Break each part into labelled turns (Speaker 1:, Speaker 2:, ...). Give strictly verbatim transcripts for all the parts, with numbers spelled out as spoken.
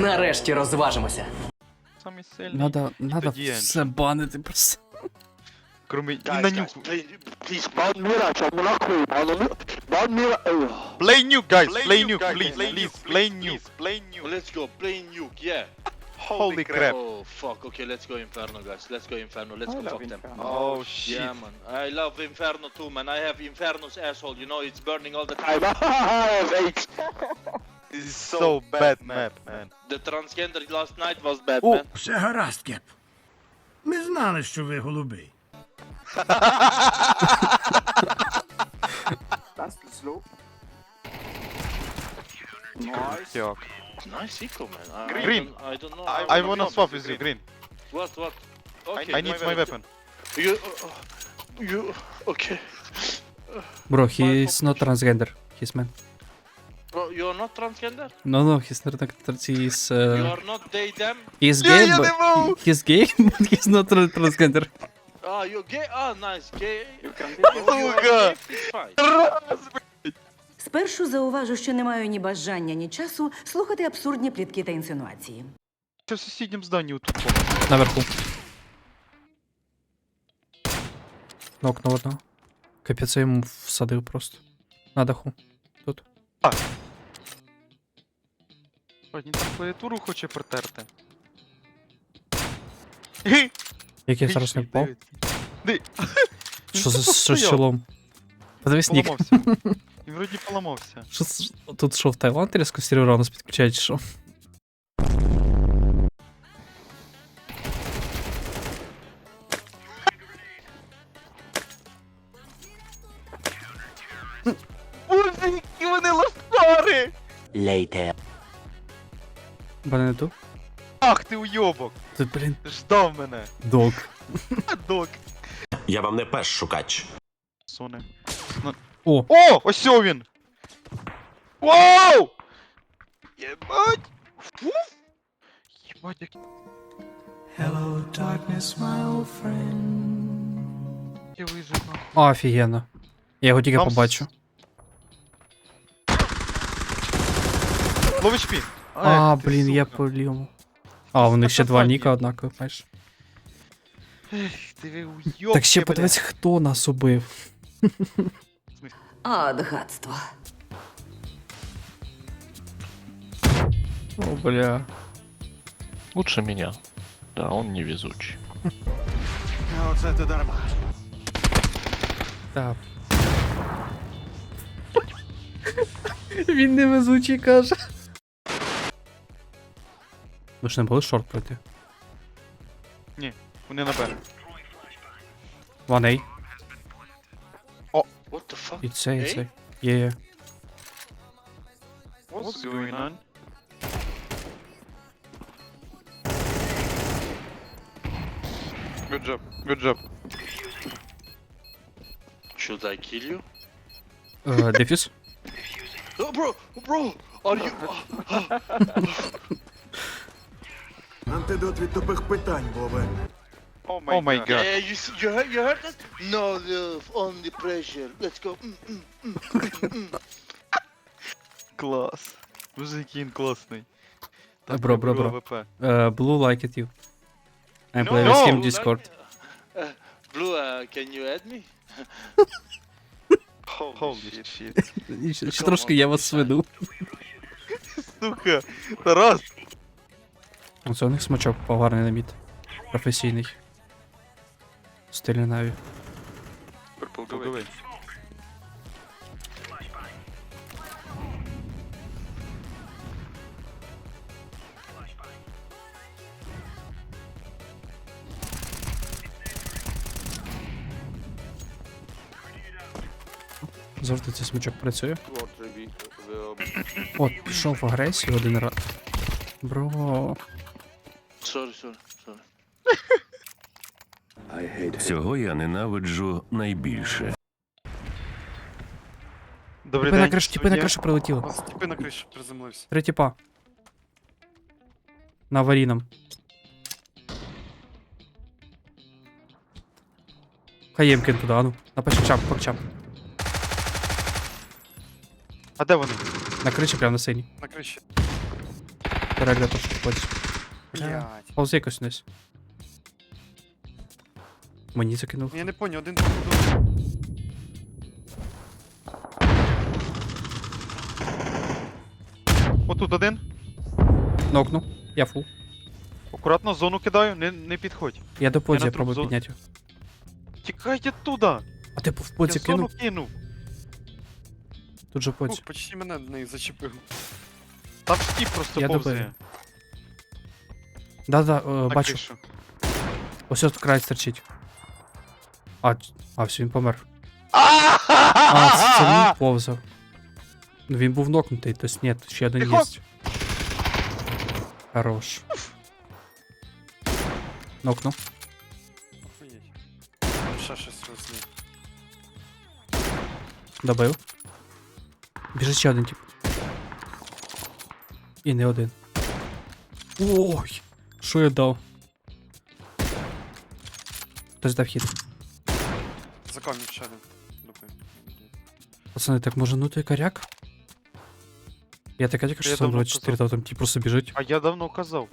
Speaker 1: Нарешті розважимося.
Speaker 2: Самий сильний.
Speaker 3: Надо, надо
Speaker 2: тоді
Speaker 3: все банити просто.
Speaker 2: Кроме... І
Speaker 4: Guys,
Speaker 2: на
Speaker 4: guys,
Speaker 2: нюку.
Speaker 4: please, please, ban Mirage, I'm not cool, ban Mirage, ban Mirage.
Speaker 2: Play nuke, guys.
Speaker 4: Play
Speaker 2: Play
Speaker 4: nuke,
Speaker 2: nuke,
Speaker 4: guys.
Speaker 2: please.
Speaker 4: Play
Speaker 2: Please,
Speaker 4: nuke,
Speaker 2: play
Speaker 4: please,
Speaker 2: nuke.
Speaker 4: Play nuke. Let's go, play nuke, yeah.
Speaker 2: Holy crap.
Speaker 4: Oh, fuck, okay, let's go Inferno, guys. Let's go Inferno, let's go fuck them.
Speaker 2: Oh, shit.
Speaker 4: Yeah, man. I love Inferno too, man. I have Inferno's asshole, you know, it's burning all the time. I have eight.
Speaker 2: This is so bad map, man.
Speaker 4: The transgender last night was bad,
Speaker 2: Oh.
Speaker 4: man.
Speaker 5: Все гаразд, Кеп. Ми знали, що ви голубий.
Speaker 2: Йок.
Speaker 4: Nice eco, man. I,
Speaker 2: Green.
Speaker 4: I don't, I don't know.
Speaker 2: I,
Speaker 4: how-
Speaker 2: I wanna swap with you, green.
Speaker 4: What, what? Okay.
Speaker 2: I need my weapon.
Speaker 4: You, uh, you, okay.
Speaker 3: Bro, he's not transgender. He's man.
Speaker 4: Bro, you're not transgender?
Speaker 3: No, no, he's not trans. He's
Speaker 4: You
Speaker 3: uh,
Speaker 4: are not they, them?
Speaker 3: he's
Speaker 2: Yeah,
Speaker 3: gay,
Speaker 2: yeah,
Speaker 3: but
Speaker 2: they will.
Speaker 3: he- he's gay, but he's not tra- transgender.
Speaker 4: Ah, you're gay? Ah, nice, gay. You can be
Speaker 2: Сука.
Speaker 4: It's fine.
Speaker 6: Спершу зауважу, що не маю ні бажання, ні часу слухати абсурдні плітки та інсинуації.
Speaker 2: Це в сусідньому зданні отут.
Speaker 3: Наверху. Нокнув одного. Капець, я йому всадив просто. На даху. Тут.
Speaker 2: Він там клавіатуру хоче протерти.
Speaker 3: Як я зараз не впав.
Speaker 2: Ди.
Speaker 3: Що за що з чолом? Подивись нік.
Speaker 2: Поламався. Він вроді поламався.
Speaker 3: Що з- тут що в Таїланд різко сервера у нас підключають, чи що?
Speaker 2: Боже, які вони лошари!
Speaker 3: Бо не ту?
Speaker 2: Ах ти уйобок!
Speaker 3: Ти, блін,
Speaker 2: Ждав мене.
Speaker 3: дог.
Speaker 2: А, док.
Speaker 7: Я вам не пес шукач.
Speaker 2: Суне.
Speaker 3: О,
Speaker 2: О! Ось о він! Вау! Єбать! Фу! Єбать, як... Я вижив нахуй.
Speaker 3: офігенно. Я його тільки
Speaker 2: Там с-
Speaker 3: побачу.
Speaker 2: Ловиш пі.
Speaker 3: А, блін, я по лівому. А, у них ще два ніка однакові, бачиш.
Speaker 2: Ти ви уйобки,
Speaker 3: Так ще
Speaker 2: бля.
Speaker 3: подивись, хто нас убив.
Speaker 6: От гадство.
Speaker 3: О, бля.
Speaker 8: Лучше меня. Да, он невезучий.
Speaker 3: Так. Він невезучий каже. Ви ж не були шорт пройти?
Speaker 2: Вони на Б.
Speaker 3: One A.
Speaker 4: What the fuck?
Speaker 3: І це, і це. Є, є.
Speaker 2: What's going on? Good job, good job.
Speaker 4: Should I kill you?
Speaker 3: Е, Дефіс?
Speaker 4: Oh, bro, bro, are you...
Speaker 5: Антидот від тупих питань, Бобе.
Speaker 2: Oh my god.
Speaker 4: Yeah, you, see, you, heard, you heard that? No love, only pressure. Let's go. Mm, mm.
Speaker 2: Клас. Боже, який він класний.
Speaker 3: Е, бро, бро, бро.
Speaker 2: АВП.
Speaker 3: Е, Blue like it you. I play
Speaker 2: No.
Speaker 3: with him
Speaker 4: Blue
Speaker 3: Discord.
Speaker 4: like- uh, Blue, uh, can you add me?
Speaker 2: Holy shit.
Speaker 3: І Ще, ще трошки я вас сведу.
Speaker 2: Сука. Тарас.
Speaker 3: Оце у них смачок поварний на мід. Професійний. Стилі наві.
Speaker 2: Пурпл,
Speaker 3: Завжди цей смачок працює. От, пішов в агресію один раз. Бро.
Speaker 4: Sorry, sorry, sorry.
Speaker 7: Цього я ненавиджу найбільше.
Speaker 2: Добрий
Speaker 3: Тіпи на
Speaker 2: день.
Speaker 3: кришу, тіпи на кришу прилетіло.
Speaker 2: Тіпи на кришу приземлився.
Speaker 3: Три тіпа. На аварійном. Хаємкін туди, ану. На паччап, пакчап.
Speaker 2: А де вони?
Speaker 3: На криші, прямо на синій.
Speaker 2: На криші.
Speaker 3: Перегля трошки ходить.
Speaker 2: Блядь.
Speaker 3: Повзи якось вниз. Мені закинув.
Speaker 2: Я не поняв, один походу. Отут один.
Speaker 3: Нокну. Я фул.
Speaker 2: Акуратно зону кидаю, не, не підходь.
Speaker 3: Я до подзі
Speaker 2: на
Speaker 3: пробую
Speaker 2: труп зо-
Speaker 3: підняти його.
Speaker 2: Тікайте туди!
Speaker 3: А ти в
Speaker 2: Я
Speaker 3: подзі
Speaker 2: зону
Speaker 3: кинув?
Speaker 2: кинув.
Speaker 3: Тут же
Speaker 2: Фух,
Speaker 3: подзі.
Speaker 2: почти мене в неї зачепив. Там стіп просто
Speaker 3: Я
Speaker 2: повзає.
Speaker 3: добив. Да-да, е,
Speaker 2: На
Speaker 3: бачу.
Speaker 2: кришу.
Speaker 3: Ось тут край стерчить. А, ц- а, все, він помер. А, це, це він повзав. Ну він був нокнутий, тобто ні, тут ще один
Speaker 2: Тихо!
Speaker 3: є. Хорош. Нокну.
Speaker 2: Охуєть. Ще щось розні.
Speaker 3: Добив. Біжить ще один тип. І не один. Ой! Що я дав? Хтось дав хід.
Speaker 2: За камінь ще один. Добив.
Speaker 3: Пацани, так може ну той коряк? Я така тільки
Speaker 2: Я
Speaker 3: що сам
Speaker 2: давно
Speaker 3: двадцять чотири,
Speaker 2: казав.
Speaker 3: там ті просто біжить.
Speaker 2: А я давно казав.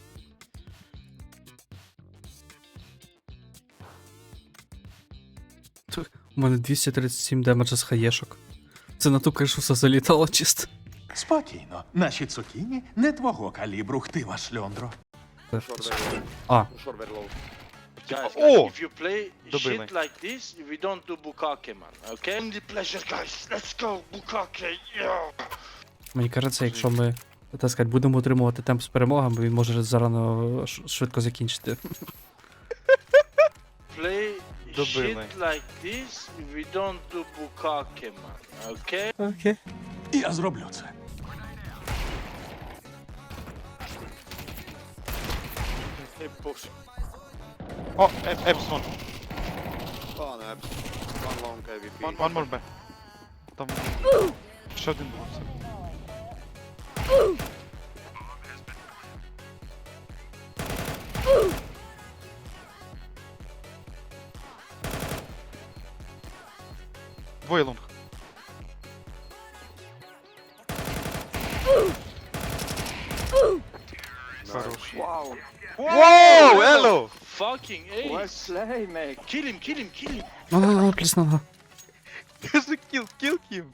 Speaker 3: У мене двісті тридцять сім демеджа з хаєшок. Це на ту кришу все залітало чисто.
Speaker 1: Спокійно, наші цукіні не твого калібру, хтива шльондро.
Speaker 3: А,
Speaker 4: Guys,
Speaker 2: Oh!
Speaker 4: guys, if you play
Speaker 2: Добили.
Speaker 4: shit like this, we don't do bukake, man. Okay? Only pleasure, guys. Let's go, bukake. Yeah.
Speaker 3: мені кажеться, якщо ми, так сказати, будемо отримувати темп з перемогами, він може зарано ш- швидко закінчити.
Speaker 4: Play
Speaker 2: Добили.
Speaker 4: shit like this, we don't do bukake, man. Okay?
Speaker 3: Окей.
Speaker 1: Я зроблю це.
Speaker 4: Hey, push.
Speaker 2: О, Еп- Епсон. One, one more B. Там... Ще один був. все. Двоє лонг. Хорош.
Speaker 4: Wow.
Speaker 2: Воу, ело!
Speaker 4: Fucking ace. Kill him, kill him, kill him.
Speaker 3: Ну, ну, ну, плюс на.
Speaker 2: Кажи кіл, кіл кім.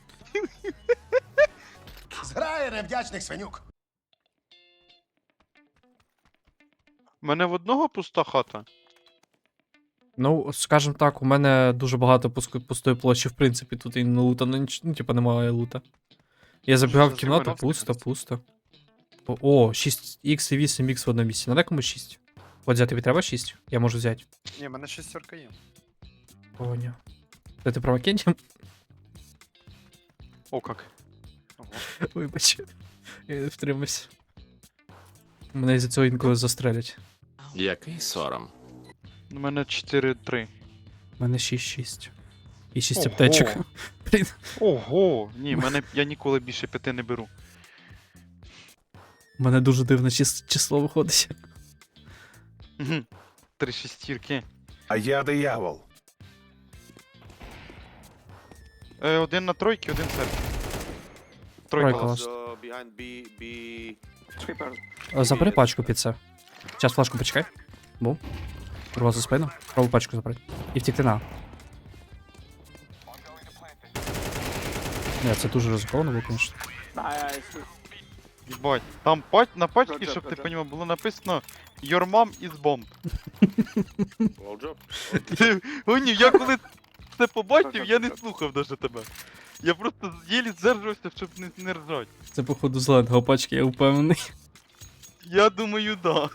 Speaker 1: Зграє невдячних свинюк.
Speaker 2: У мене в одного пуста хата.
Speaker 3: Ну, скажем так, у мене дуже багато пуск- пустої площі, в принципі, тут і не лута, ну, ніч- ну, типа, немає лута. Я забігав в
Speaker 2: за
Speaker 3: кімнату,
Speaker 2: Зимановським
Speaker 3: пусто,
Speaker 2: просто?
Speaker 3: пусто. О, О, шість ікс і вісім ікс в одному місці. Надо комусь шість? От взяти тобі треба шість? Я можу взяти.
Speaker 2: Ні, в мене шестерка є.
Speaker 3: Поняв. Це ти про Маккенті?
Speaker 2: О, как. Ого.
Speaker 3: Вибач. Я не втримався. Мене за цього інколи застрелять.
Speaker 7: Який сором.
Speaker 2: У мене чотири три.
Speaker 3: У мене шість шість. І шість
Speaker 2: Ого.
Speaker 3: аптечок. Блін.
Speaker 2: Ого! Ні, мене я ніколи більше п'яти не беру.
Speaker 3: У мене дуже дивне чис- число виходить.
Speaker 2: Мгм. Три шестірки.
Speaker 1: А я диявол.
Speaker 2: Е, один на тройки, один серп.
Speaker 3: Тройка
Speaker 2: Тройка ласт.
Speaker 3: Е, Забери пачку під це. Зараз флешку почекай. Бум. Рва за спину. Пробуй пачку забрати. І втікти на. Не, це дуже ризиковано було, звісно.
Speaker 2: Єбать. Там пать, на пачці, щоб ти понімав, було написано Your mom is bomb. Гоні, я коли це побачив, я не слухав даже тебе. Я просто єлі здержувався, щоб не, не ржать.
Speaker 3: Це, походу, зеленого пачки, я впевнений.
Speaker 2: Я думаю, да.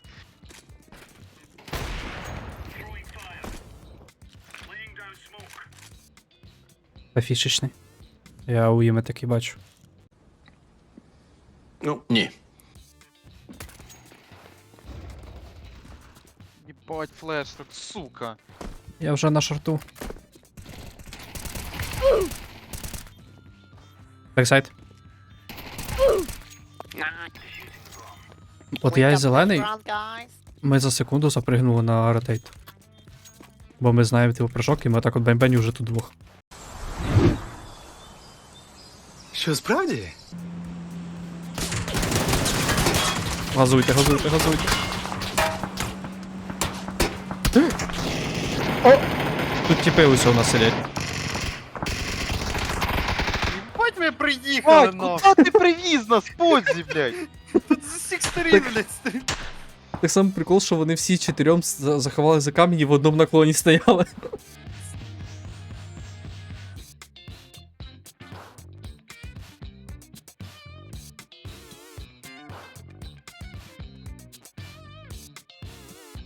Speaker 3: Та фішечний. Я у Іми такий бачу.
Speaker 7: Ну, ні.
Speaker 2: Єбать, флеш, так, сука.
Speaker 3: Я вже на шорту. Бексайд. От я і зелений, ми за секунду запригнули на ротейт. Бо ми знаємо типу прыжок, і ми так от бень-бень уже тут двох.
Speaker 1: Що справді?
Speaker 3: Газуйте, газуйте, газуйте. О! Тут тіпи усього нас сидять.
Speaker 9: Бать ви приїхали,
Speaker 2: Бать,
Speaker 9: нахуй.
Speaker 2: куди ти привіз нас, Подзі, блядь?
Speaker 9: Тут з усіх сторін, блядь, стоїть.
Speaker 3: Так само прикол, що вони всі чотирьом за- заховали за камінь і в одному наклоні стояли.